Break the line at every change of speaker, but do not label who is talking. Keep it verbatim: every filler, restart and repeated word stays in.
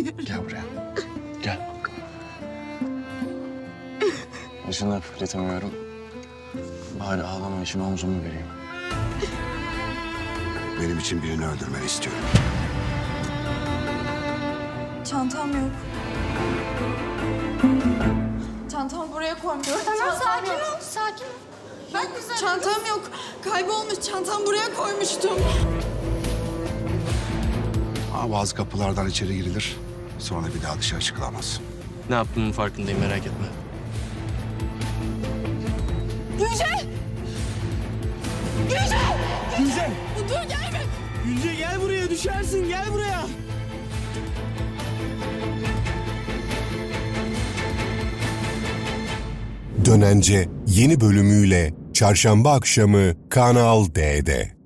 Gel buraya. Gel. Başını hafifletemiyorum. Bari ağlama için omzumu vereyim.
Benim için birini öldürmeni istiyorum.
Çantam yok. Çantamı buraya koymuştum.
Tamam,
Çantam
sakin
yok.
ol, sakin ol.
Bak çantam yok. Kaybolmuş. Çantam buraya koymuştum.
Ama bazı kapılardan içeri girilir. Sonra bir daha dışarı çıkılamaz.
Ne yaptığımın farkındayım, merak etme.
Gülce! Gülce!
Gülce!
Dur gelme.
Gülce gel buraya, düşersin, gel buraya.
Dönence yeni bölümüyle Çarşamba akşamı Kanal D'de.